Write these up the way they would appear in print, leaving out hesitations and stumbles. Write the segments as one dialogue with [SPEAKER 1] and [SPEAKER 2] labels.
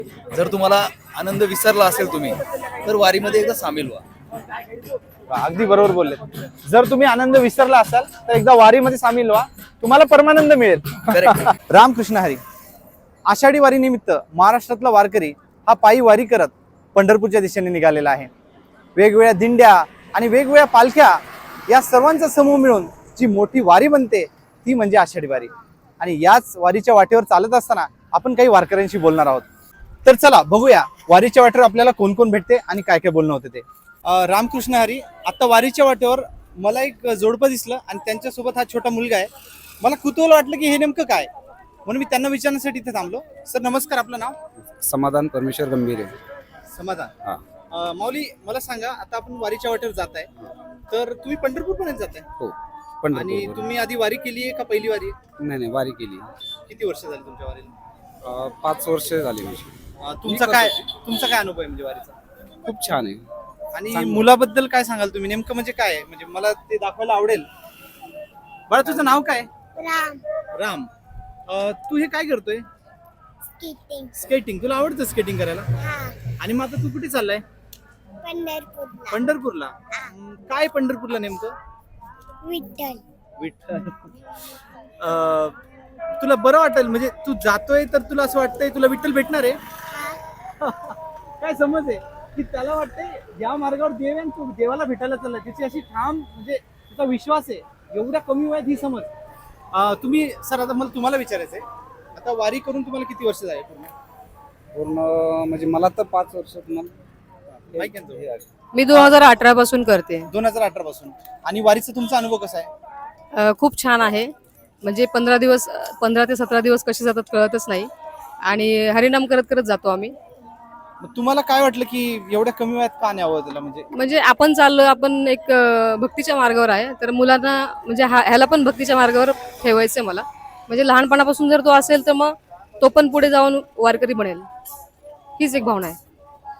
[SPEAKER 1] जर तुम्हाला आनंद विसरला असेल तुम्ही तर वारीमध्ये एकदा सामील व्हा.
[SPEAKER 2] अगदी बरोबर बोलले. जर तुम्ही आनंद विसरला असाल तर एकदा वारीमध्ये सामील व्हा, तुम्हाला परमानंद मिळेल. रामकृष्ण हरी. आषाढी वारी निमित्त महाराष्ट्रातला वारकरी हा पायी वारी करत पंढरपूरच्या दिशेने निघालेला आहे. वेगवेगळ्या दिंड्या आणि वेगवेगळ्या पालख्या या सर्वांचा समूह मिळून जी मोठी वारी बनते ती म्हणजे आषाढी वारी. आणि याच वारीच्या वाटेवर चालत असताना आपण काही वारकऱ्यांशी बोलणार आहोत. तर चला बघूया वारीच्या वाटेवर आपल्याला कोण कोण भेटते आणि काय काय बोलणं होते ते. रामकृष्ण हरी. आता वारीच्या वाटेवर मला एक जोडपं दिसलं आणि त्यांच्यासोबत हा छोटा मुलगा आहे. मला कुतूहल वाटलं की हे नेमकं काय, म्हणून मी त्यांना विचारण्यासाठी इथे थांबलो. सर नमस्कार, आपलं नाव?
[SPEAKER 3] समाधान परमेश्वर गंभीर आहे.
[SPEAKER 2] समाधान. माऊली मला सांगा, आता आपण वारीच्या वाटेवर जात आहे तर तुम्ही पंढरपूर पर्यंत जात आहे
[SPEAKER 3] हो,
[SPEAKER 2] आणि
[SPEAKER 3] पंढरपूर.
[SPEAKER 2] तुम्ही आधी वारी केली आहे का पहिली वारी आहे?
[SPEAKER 3] नाही वारी केली.
[SPEAKER 2] किती वर्ष झाली तुमच्या वारीला?
[SPEAKER 3] 5 वर्ष झाली माझी.
[SPEAKER 2] तुमचा काय अनुभव आहे म्हणजे वारीचा?
[SPEAKER 3] खूप छान आहे.
[SPEAKER 2] आणि मुलाबद्दल काय सांगाल तुम्ही, नेमकं म्हणजे काय आहे? म्हणजे मला ते दाखवायला आवडेल. बाळा तुझं नाव काय?
[SPEAKER 4] राम.
[SPEAKER 2] राम. तू हे काय करतोय?
[SPEAKER 4] स्केटिंग.
[SPEAKER 2] स्केटिंग. तुला आवडतं स्केटिंग करायला?
[SPEAKER 4] हा.
[SPEAKER 2] आणि मग आता तू कुठे चाललाय?
[SPEAKER 4] पंढरपूरला.
[SPEAKER 2] पंढरपूरला. काय पंढरपूरला नेमकं?
[SPEAKER 4] विठ्ठल.
[SPEAKER 2] विठ्ठल. तुला बरं वाटेल म्हणजे तू जातोय तर तुला असं वाटतंय तुला विठ्ठल भेटणार आहे?
[SPEAKER 4] हा.
[SPEAKER 2] काय समज आहे की त्याला वाटतंय ज्या मार्गावर देव आहे तू देवाला भेटायला चाललाय, त्याची अशी ठाम म्हणजे तुझा विश्वास आहे. एवढ्या कमी वयात ही समज. तुम्ही सर, आता मला तुम्हाला विचारायचंय, आता वारी करून तुम्हाला किती वर्ष झाले पूर्ण?
[SPEAKER 3] पूर्ण म्हणजे मला तर 5 वर्ष.
[SPEAKER 2] माहिती आहे ना तुम्ही?
[SPEAKER 5] मी 2018 पासून करते.
[SPEAKER 2] 2018 पासून. आणि वारीचा तुमचा अनुभव कसा आहे?
[SPEAKER 5] खूप छान आहे. म्हणजे 15 ते 17 दिवस कसे जातात कळतच नाही आणि हरिनाम करत करत जातो आम्ही.
[SPEAKER 2] मग तुम्हाला काय वाटलं की एवढ्या कमी वयात का न्यावं त्याला?
[SPEAKER 5] म्हणजे आपण चाललो, आपण एक भक्तीच्या मार्गावर आहे, तर मुलांना म्हणजे ह्याला पण भक्तीच्या मार्गावर ठेवायचंय मला. म्हणजे लहानपणापासून जर तो असेल तर मग तो पण पुढे जाऊन वारकरी बनेल, हीच एक भावना आहे.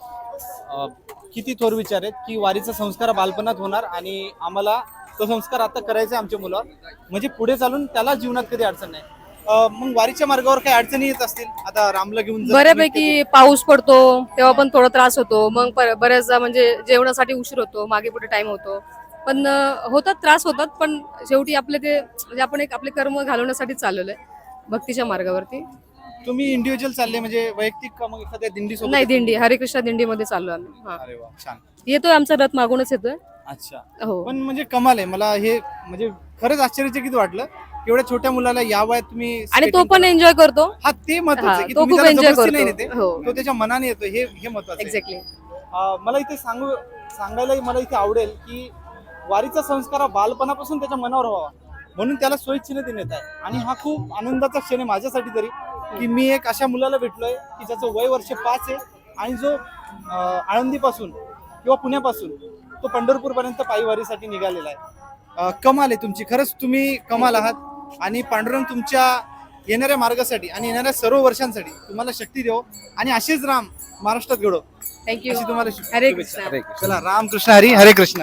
[SPEAKER 2] किती थोर विचार आहेत की वारीचा संस्कार बालपणात होणार आणि आम्हाला तो संस्कार आता करायचा आमच्या मुलावर, म्हणजे पुढे चालून त्याला जीवनात कधी अडचण नाही. मग वारीच्या मार्गावर काही अडचणी येत असतील? आता रामला घेऊन
[SPEAKER 5] बऱ्यापैकी पाऊस पडतो तेव्हा पण थोडा त्रास होतो. मग बऱ्याचदा म्हणजे जेवणासाठी उशीर होतो, मागे पुढे टाइम होतो, पण होतात त्रास होतात. पण शेवटी आपले ते म्हणजे आपण एक आपले कर्म घालवण्यासाठी चाललेलो आहे भक्तीच्या मार्गावरती.
[SPEAKER 2] तुम्ही इंडिव्हिज्युअल चालले म्हणजे वैयक्तिक का मग एखाद्या दिंडी सोबत?
[SPEAKER 5] नाही, दिंडी, हरिकृष्ण दिंडीमध्ये चाललो आम्ही.
[SPEAKER 2] अरे वा, छान.
[SPEAKER 5] येतोय आमचा रथ मागूनच येतोय.
[SPEAKER 2] अच्छा.
[SPEAKER 5] हो.
[SPEAKER 2] पण म्हणजे कमाल आहे. मला हे म्हणजे खरंच आश्चर्यचकित वाटलं एवढ्या छोट्या मुलाला या वयात तुम्ही
[SPEAKER 5] आणि तो पण एन्जॉय करतो.
[SPEAKER 2] हा, ते महत्त्वाचं आहे की
[SPEAKER 5] तो
[SPEAKER 2] तुम्ही
[SPEAKER 5] खूप
[SPEAKER 2] त्याला
[SPEAKER 5] एन्जॉय
[SPEAKER 2] जबरदस्ती नाही
[SPEAKER 5] करतो.
[SPEAKER 2] नेते,
[SPEAKER 5] हो.
[SPEAKER 2] तो त्याच्या मनाने येतो, हे महत्त्वाचं आहे.
[SPEAKER 5] एक्झॅक्टली.
[SPEAKER 2] मला इथे सांगायला मला इथे आवडेल की वारीचा संस्कार हा बालपणापासून त्याच्या मनावर व्हावा म्हणून त्याला स्वइच्छेने ते नेत आहे. आणि हा खूप आनंदाचा क्षण आहे माझ्यासाठी तरी की मी एक अशा मुलाला भेटलोय की ज्याचं वय वर्ष 5 आहे आणि जो आळंदीपासून किंवा पुण्यापासून तो पंढरपूर पर्यंत पायी वारीसाठी निघालेला आहे. कमाल आहे तुमची, खरंच तुम्ही कमाल आहात. आणि पांडुरंग तुमच्या येणाऱ्या मार्गासाठी आणि येणाऱ्या सर्व वर्षांसाठी तुम्हाला शक्ती देव आणि असेच राम महाराष्ट्रात घडो.
[SPEAKER 5] थँक्यू.
[SPEAKER 2] अशी तुम्हाला
[SPEAKER 5] हरे
[SPEAKER 2] शुभेच्छा.
[SPEAKER 5] कृष्ण.
[SPEAKER 2] चला, रामकृष्ण हरी. हरे कृष्ण.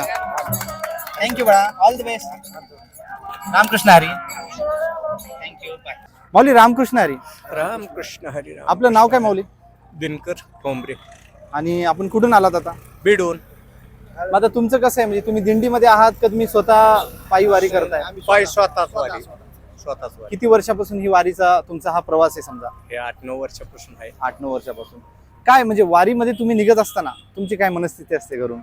[SPEAKER 2] थँक्यू बाळा, all the best. Ramkrishna Hari. Thank you. Mauli Ramkrishna Hari.
[SPEAKER 6] Ramkrishna Hari.
[SPEAKER 2] आपलं नाव काय माऊली?
[SPEAKER 6] दिनकर ठोंबरे.
[SPEAKER 2] आणि आपण कुठून आलात आता?
[SPEAKER 6] बिडून.
[SPEAKER 2] मग आता तुमचं कसं आहे, म्हणजे तुम्ही दिंडीमध्ये आहात का तुम्ही स्वतः पायी वारी करताय?
[SPEAKER 6] पाय स्वतःच वारी.
[SPEAKER 2] किती वर्षापासून ही वारीचा तुमचा हा प्रवास आहे? समजा
[SPEAKER 6] हे 8-9 वर्षापासून आहे.
[SPEAKER 2] 8-9 वर्षापासून. काय म्हणजे वारीमध्ये तुम्ही निघत असताना तुमची काय मनस्थिती असते घरून?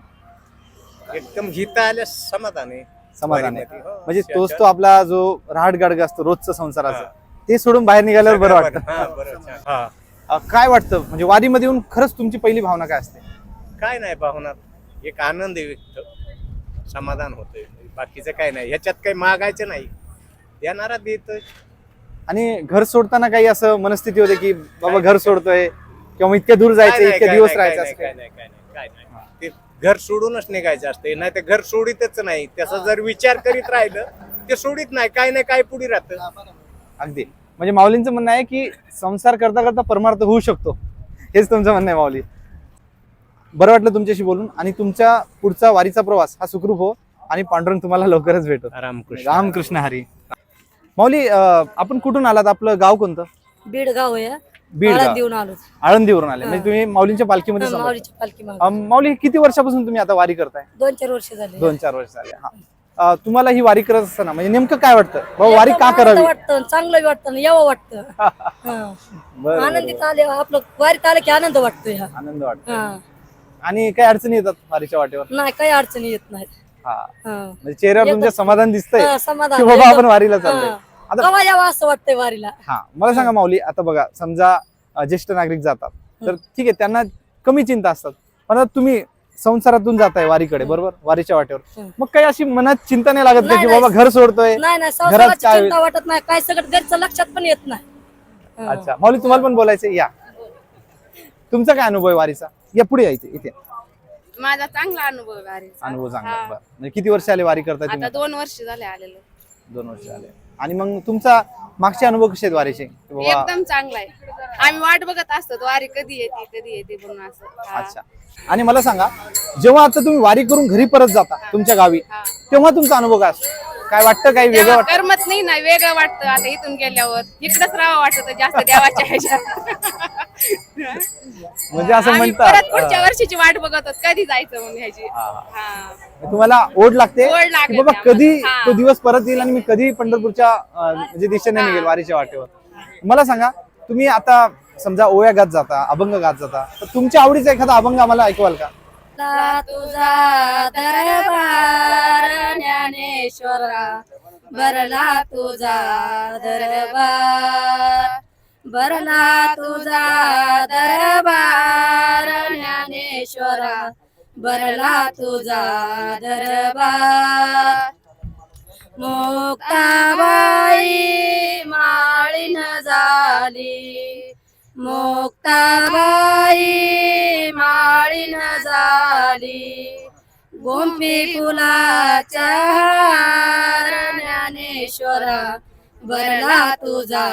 [SPEAKER 6] एकदम हिता आल्या समाधान आहे.
[SPEAKER 2] समाधान आहे.
[SPEAKER 6] वारीमध्ये, हो.
[SPEAKER 2] म्हणजे तोच तो आपला जो राहट गाडगा असतो रोजचं संसाराचं, ते सोडून बाहेर निघाल्यावर बरं
[SPEAKER 6] हा,
[SPEAKER 2] वाटतं.
[SPEAKER 6] बरं, छान. हा.
[SPEAKER 2] काय वाटतं म्हणजे वारीमध्ये येऊन खरंच तुमची पहिली भावना काय असते?
[SPEAKER 6] काय नाही भावना, एक आनंद आहे, व्यक्त समाधान होतंय. बाकीचं काय नाही, ह्याच्यात काही मागायचं नाही, येणारा देतोय.
[SPEAKER 2] आणि घर सोडताना काही असं मनस्थिती होते की बाबा घर सोडतोय किंवा मग इतक्या दूर जायचं, इतके दिवस राहायचं असं?
[SPEAKER 6] काय नाही. ते घर सोडूनच निघायचं असते, नाही ते घर सोडितच नाही. त्याचा जर विचार करीत राहिलं ते सोडित नाही, काय नाही काय पुढे राहतं.
[SPEAKER 2] अगदी. म्हणजे माऊलींचं म्हणणं आहे की संसार करता करता परमार्थ होऊ शकतो, हेच तुमचं म्हणणं आहे माऊली. बरं वाटलं तुमच्याशी बोलून आणि तुमच्या पुढचा वारीचा प्रवास हा सुखरूप हो आणि पांडुरंग तुम्हाला लवकरच भेटो.
[SPEAKER 6] रामकृष्ण.
[SPEAKER 2] रामकृष्ण हरी. माऊली आपण कुठून आलात? आपलं गाव कोणतं?
[SPEAKER 7] बीड गाव आहे.
[SPEAKER 2] बीड गाव.
[SPEAKER 7] देऊन आलो
[SPEAKER 2] आळंदीवरून आले म्हणजे तुम्ही माऊलींच्या पालखीमध्ये समजता.
[SPEAKER 7] माऊलीची पालखी मागे
[SPEAKER 2] माऊली किती वर्षापासून तुम्ही आता वारी करताय?
[SPEAKER 7] 2-4 वर्ष झाले.
[SPEAKER 2] 2-4 वर्ष झाले. हा तुम्हाला ही वारी करत असताना म्हणजे नेमकं काय वाटतं बाबा वारी का करावी?
[SPEAKER 7] वाटतं चांगलं वाटतं यावं वाटतं. हा.
[SPEAKER 2] बरं,
[SPEAKER 7] आनंदीत आले आपलं वारीत आलं की आनंद वाटतोय. हा.
[SPEAKER 2] आनंद वाटतो.
[SPEAKER 7] हा.
[SPEAKER 2] आणि काही अडचणी येतात वारीच्या वाटेवर?
[SPEAKER 7] नाही काही अडचणी येत नाहीत.
[SPEAKER 2] हा
[SPEAKER 7] हा.
[SPEAKER 2] म्हणजे चेहऱ्यावर तुमच्या समाधान दिसतंय
[SPEAKER 7] हा, समाधान.
[SPEAKER 2] की बाबा
[SPEAKER 7] एकदम-
[SPEAKER 2] आपण वारीला चाललोय.
[SPEAKER 7] हा.
[SPEAKER 2] आता
[SPEAKER 7] केव्हा यावं असं वाटतंय वारीला.
[SPEAKER 2] हा मला सांगा माऊली, आता बघा समजा ज्येष्ठ नागरिक जातात तर ठीक आहे त्यांना कमी चिंता असतात, पण आता तुम्ही संसारातून जाताय वारीकडे बरोबर, वारीच्या वाटेवर, मग काही अशी मनात चिंता नाही लागत का की
[SPEAKER 7] नाही,
[SPEAKER 2] बाबा घर सोडतोय?
[SPEAKER 7] नाही
[SPEAKER 2] घरात
[SPEAKER 7] संसाराची
[SPEAKER 2] काय
[SPEAKER 7] चिंता वाटत नाही काय सगळं घरचं लक्षात पण येत नाही. हा.
[SPEAKER 2] अच्छा माऊली तुम्हाला पण बोलायचं या, तुमचा काय अनुभव आहे वारीचा? या पुढे या इथे
[SPEAKER 8] माझा चांगला अनुभव आहे वारीचा.
[SPEAKER 2] अनुभव सांगा.
[SPEAKER 8] हा.
[SPEAKER 2] बरं. म्हणजे किती वर्ष आले वारी करताय
[SPEAKER 8] आता
[SPEAKER 2] तुम्ही?
[SPEAKER 8] 2 वर्ष झाले आलेलो.
[SPEAKER 2] 2 वर्ष आले. आणि मग तुमचा मागचे अनुभव कसे आहेत वारीचे? की बाबा
[SPEAKER 8] एकदम चांगला आहे. आम्ही वाट बघत असतो वारी कधी येते म्हणून असं. हा.
[SPEAKER 2] अच्छा. आणि मला सांगा जेव्हा आता तुम्ही वारी करून घरी परत जाता तुमच्या गावी,
[SPEAKER 8] हा.
[SPEAKER 2] तेव्हा तुमचा अनुभव काय असतो? काय वाटतं, काही वेगळं
[SPEAKER 8] तेव्हा
[SPEAKER 2] वाटतं?
[SPEAKER 8] करमत नाही ना, वेगळं वाटतं. आता इथून गेल्यावर इकडंच राहावं वाटत जास्त देवाच्या ह्याच्यात.
[SPEAKER 2] म्हणजे असं
[SPEAKER 8] आम्ही
[SPEAKER 2] म्हणतात
[SPEAKER 8] परत पुढच्या वर्षीची वाट बघत होत कधी जायचं म्हणून ह्याची. हा.
[SPEAKER 2] तुम्हाला ओढ लागते
[SPEAKER 8] ओढ
[SPEAKER 2] की
[SPEAKER 8] लागते
[SPEAKER 2] बाबा
[SPEAKER 8] आम्हाला.
[SPEAKER 2] कधी
[SPEAKER 8] हा.
[SPEAKER 2] तो दिवस परत येईल आणि मी कधी पंढरपूरच्या म्हणजे दिशेने निघेल वारीच्या वाटेवर. मला सांगा तुम्ही आता समजा ओव्या गात जाता, अभंग गात जाता, तर तुमच्या आवडीचा एखादा अभंग आम्हाला ऐकवाल का?
[SPEAKER 7] तुझा दरबार ज्ञानेश्वरा भरला तुझा दरबार, भरला तुझा दरबार ज्ञानेश्वरा भरला तुझा दरबार. मुक्ताबाई माळीन झाली, मुक्ताबाई माळीन झाली, गोंपी फुलाच्या हार ज्ञानेश्वरा भरला तुझा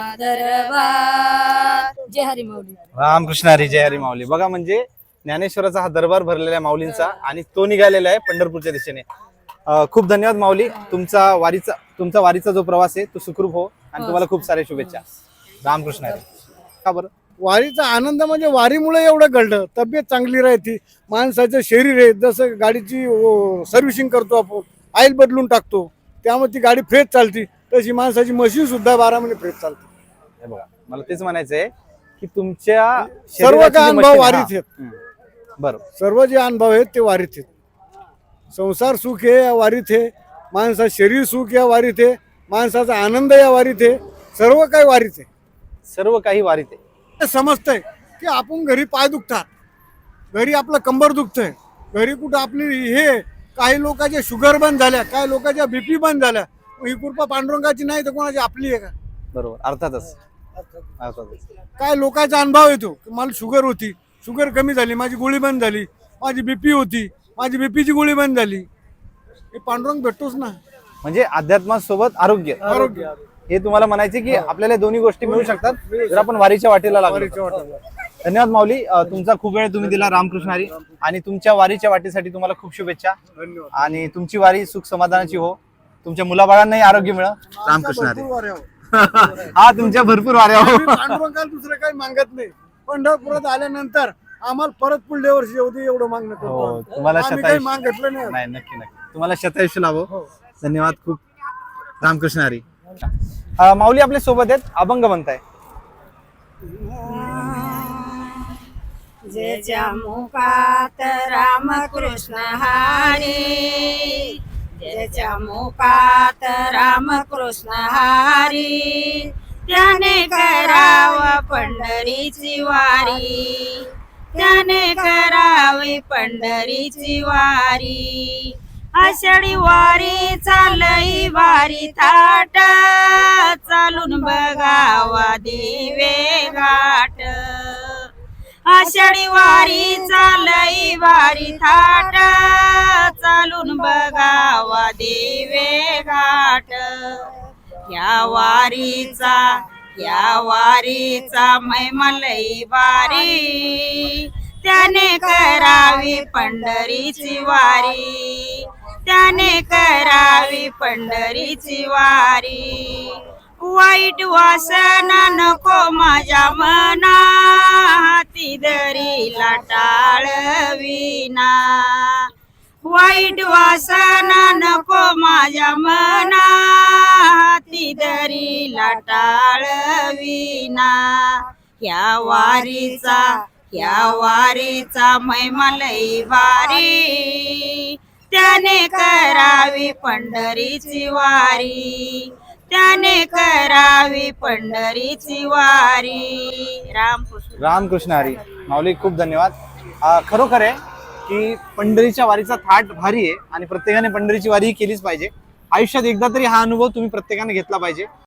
[SPEAKER 7] दरबार. जय हरी माऊली.
[SPEAKER 2] रामकृष्ण हरी, जय हरी माऊली. बघा म्हणजे ज्ञानेश्वराचा हा दरबार भरलेला आहे माऊलींचा आणि तो निघालेला आहे पंढरपूरच्या दिशेने. खूप धन्यवाद माऊली. तुमचा वारीचा जो प्रवास आहे तो सुखरूप हो आणि तुम्हाला खूप साऱ्या शुभेच्छा. रामकृष्ण हरी. का बरं?
[SPEAKER 9] वारीचा आनंद म्हणजे वारीमुळे एवढं घडलं, तब्येत चांगली राहते, माणसाचं शरीर आहे जसं गाडीची सर्व्हिसिंग करतो आपण, ऑइल बदलून टाकतो त्यामुळे ती गाडी फ्रेश चालते, तशी माणसाची मशीन सुद्धा 12 महिने फ्रेश चालते.
[SPEAKER 2] हे बघा मला तेच म्हणायचं आहे की तुमच्या
[SPEAKER 9] सर्व
[SPEAKER 2] शरीराची
[SPEAKER 9] काय
[SPEAKER 2] जी
[SPEAKER 9] अनुभव
[SPEAKER 2] मशीन-
[SPEAKER 9] वारीत
[SPEAKER 2] हा.
[SPEAKER 9] आहेत,
[SPEAKER 2] बरोबर.
[SPEAKER 9] सर्व जे अनुभव आहेत ते वारीत आहेत. संसार सुख आहे या वारीत आहे, माणसाचं शरीर सुख या वारीत आहे, माणसाचा आनंद या वारीत आहे, सर्व काही वारीत आहे.
[SPEAKER 2] सर्व काही वारीत आहे.
[SPEAKER 9] ते समजतंय की आपण घरी पाय दुखतात, घरी आपलं कंबर दुखतंय, घरी कुठं आपली हे काही लोकांच्या शुगर बंद झाल्या, काही लोकांच्या बीपी बंद झाल्या, मग ही कृपा पांडुरंगाची नाही तर कोणाची आपली आहे का?
[SPEAKER 2] बरोबर, अर्थातच.
[SPEAKER 9] काय लोकांचा अनुभव येतो की मला शुगर होती, शुगर कमी झाली, माझी गोळी बंद झाली, माझी बीपी होती, माझी बीपीची गोळी बंद झाली, हे पांडुरंग भेटतोच ना.
[SPEAKER 2] म्हणजे अध्यात्मासोबत आरोग्य,
[SPEAKER 9] आरोग्य
[SPEAKER 2] हे तुम्हाला म्हणायचे की आपल्याला दोन्ही गोष्टी मिळू शकतात जर आपण वारीच्या वाटेला लागलो. धन्यवाद माऊली, तुमचा खूप वेळ तुम्ही दिला. रामकृष्ण हरी. आणि तुमच्या वारीच्या वाटेसाठी तुम्हाला खूप शुभेच्छा आणि तुमची वारी सुख समाधानाची हो, तुमच्या मुलाबाळांनाही आरोग्य मिळो. रामकृष्ण हरी. हा तुमच्या भरपूर वाऱ्या हो.
[SPEAKER 9] पांडुरंगाला दुसरं काही मागत नाही, पंढरपुरात आल्यानंतर आम्हाला परत पुढल्या वर्षी येऊ दे एवढं मागणं
[SPEAKER 2] हो,
[SPEAKER 9] करतो.
[SPEAKER 2] तुम्हाला
[SPEAKER 9] आम्ही काही
[SPEAKER 2] शतायुष्य
[SPEAKER 9] मागितलं नाही.
[SPEAKER 2] नाही, नक्की नक्की तुम्हाला शतायुष्य लाभो. धन्यवाद खूप. रामकृष्ण हरी. माऊली आपल्या सोबत आहेत, अभंग म्हणताय.
[SPEAKER 7] ज्याच्या मुखात रामकृष्ण हरी, ज्याच्या मुखात रामकृष्ण हरी, त्याने कराव पंढरीची वारी, त्याने करावी पंढरीची वारी. आषाढी वारी चालई वारी थाट, चालून बघावा दिवे घाट. आषाढी वारी चालई वारी थाट, चालून बघावा दिवे घाट. या वारीचा मैमलई वारी, त्याने करावी पंढरीची वारी, त्याने करावी पंढरीची वारी.
[SPEAKER 10] वाईट वासना नको माझ्या मना हाती दरीला टाळविना वाईट वासना नको माझ्या मना हाती दरीला टाळविना ह्या वारीचा महिमा लई भारी त्याने करावी पंढरीची वारी त्याने करावी पंढरीची वारी. रामकृष्ण
[SPEAKER 2] रामकृष्ण हरी. माऊली खूप धन्यवाद. खरोखर आहे की पंढरीच्या वारीचा थाट भारी आहे आणि प्रत्येकाने पंढरीची वारी केलीच पाहिजे. आयुष्यात एकदा तरी हा अनुभव तुम्ही प्रत्येकाने घेतला पाहिजे.